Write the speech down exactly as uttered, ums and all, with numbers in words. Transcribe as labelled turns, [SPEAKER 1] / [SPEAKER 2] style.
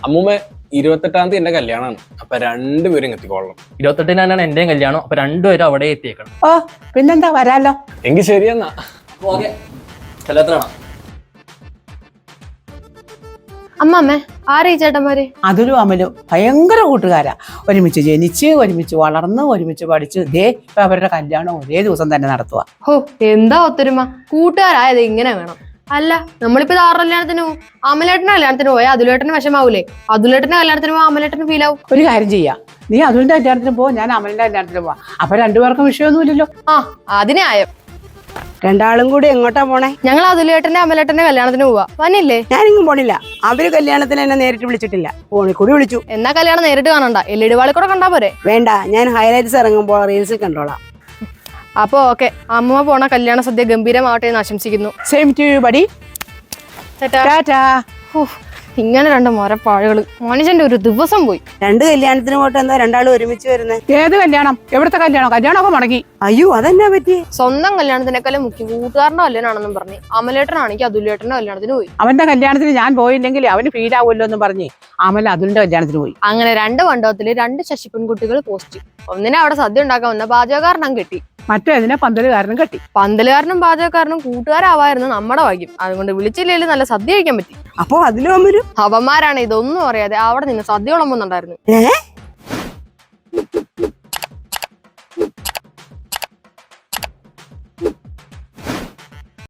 [SPEAKER 1] അമ്മൂമ്മ ഇരുപത്തെട്ടാം തീയതി എന്റെ കല്യാണമാണ്. അപ്പൊ രണ്ടുപേരും എത്തിക്കോളണം.
[SPEAKER 2] ഇരുപത്തെട്ടിനാണ് എന്റെയും കല്യാണം. അപ്പൊ രണ്ടുപേരും അവിടെ എത്തിയേക്കണം.
[SPEAKER 3] ഓ പിന്നെന്താ വരാലോ.
[SPEAKER 1] എങ്കിൽ ശരിയെന്നാ.
[SPEAKER 2] കല്യാണത്തിനാണോ?
[SPEAKER 4] അമ്മമ്മേ ആരാ ഈ ചേട്ടന്മാര്?
[SPEAKER 3] അതിലും അമലും ഭയങ്കര കൂട്ടുകാരാ. ഒരുമിച്ച് ജനിച്ച് ഒരുമിച്ച് വളർന്ന് ഒരുമിച്ച് പഠിച്ച് ഇതേ ഇപ്പൊ അവരുടെ കല്യാണം ഒരേ ദിവസം തന്നെ നടത്തുക.
[SPEAKER 4] ഹോ എന്താ ഒത്തൊരുമ. കൂട്ടുകാരായത് ഇങ്ങനെ വേണം. അല്ല നമ്മളിപ്പോ ഇത് ആറ് കല്യാണത്തിന് പോകും. അമലേട്ടന്റെ കല്യാണത്തിന് പോയാൽ അതുലേട്ടന് വിഷമാവൂലേ? അതുലേട്ടന്റെ കല്യാണത്തിന് പോയാൽ അമലേട്ടന് ഫീൽ ആവും.
[SPEAKER 3] ഒരു കാര്യം ചെയ്യാം, നീ അതുലിന്റെ കല്യാണത്തിന് പോ, ഞാൻ അമലിന്റെ കല്യാണത്തിന് പോവാ. അപ്പൊ രണ്ടുപേർക്കും വിഷയമൊന്നുമില്ലല്ലോ.
[SPEAKER 4] ആ അതിനെ ആയോ.
[SPEAKER 5] രണ്ടാളും കൂടി എങ്ങോട്ടാ പോണേ?
[SPEAKER 4] ഞങ്ങൾ അതുലേട്ടന്റെ അമലേട്ടന്റെ കല്യാണത്തിന് പോവാ. വന്നില്ലേ?
[SPEAKER 5] ഞാനിങ്ങും പോണില്ല. അവര് കല്യാണത്തിന് എന്നെ നേരിട്ട് വിളിച്ചിട്ടില്ല, ഫോണിൽ കൂടി വിളിച്ചു.
[SPEAKER 4] എന്നാ കല്യാണം നേരിട്ട് കാണണ്ട, എൽ ഇ ഡി വാളിൽ കൂടെ കണ്ടാ പോരെ?
[SPEAKER 5] വേണ്ട, ഞാൻ ഹൈലൈറ്റ്സ് ഇറങ്ങുമ്പോൾ റീൽസിൽ കണ്ടോളാം.
[SPEAKER 4] അപ്പൊ ഓക്കെ, അമ്മ പോണ കല്യാണ സദ്യ ഗംഭീരമാവട്ടെ എന്ന് ആശംസിക്കുന്നു.
[SPEAKER 3] Same to you buddy.
[SPEAKER 4] ചേട്ടാ
[SPEAKER 3] ടാറ്റാ.
[SPEAKER 4] ഇങ്ങനെ രണ്ട് മരപ്പാഴുകള്, മനുഷ്യന്റെ ഒരു ദിവസം പോയി.
[SPEAKER 5] രണ്ട് കല്യാണത്തിന് പോയിട്ട് എന്താ രണ്ടാളും ഒരുമിച്ച് വരുന്നേ?
[SPEAKER 3] ഏത് കല്യാണം? എവിടുത്തെ കല്യാണം? കല്യാണമൊക്കെ മുടങ്ങി.
[SPEAKER 5] അയ്യോ അതെന്നാ പറ്റി?
[SPEAKER 4] സ്വന്തം കല്യാണത്തിനേക്കാളും മുഖ്യം കൂട്ടുകാരന്റെ കല്യാണമാണെന്നും പറഞ്ഞ് അമലേട്ടനാണെങ്കിൽ അതുലേട്ടന്റെ കല്യാണത്തിന് പോയി.
[SPEAKER 3] അവന്റെ കല്യാണത്തിന് ഞാൻ പോയില്ലെങ്കിൽ അവന് ഫീൽ ആവുമല്ലോ എന്ന് പറഞ്ഞ് അമൽ അതുലിന്റെ കല്യാണത്തിന് പോയി.
[SPEAKER 4] അങ്ങനെ രണ്ട് മണ്ഡപത്തില് രണ്ട് ശശി പെൺകുട്ടികൾ പോസ്റ്റ്. ഒന്നിനെ അവിടെ സദ്യ ഉണ്ടാക്കാൻ വന്ന പാചകക്കാരനും കെട്ടി,
[SPEAKER 3] മറ്റേതിനെ പന്തലുകാരനും കെട്ടി.
[SPEAKER 4] പന്തലുകാരനും പാചകക്കാരനും കൂട്ടുകാരാവായിരുന്നു നമ്മുടെ ഭാഗ്യം. അതുകൊണ്ട് വിളിച്ചില്ലെങ്കിൽ നല്ല സദ്യ കഴിക്കാൻ പറ്റി.
[SPEAKER 5] അപ്പൊ അതിലും അമ്മരും
[SPEAKER 4] അവന്മാരാണ് ഇതൊന്നും അറിയാതെ അവിടെ നിന്ന് സദ്യ വിളമ്പുന്നുണ്ടായിരുന്നു.
[SPEAKER 5] ഏഹ്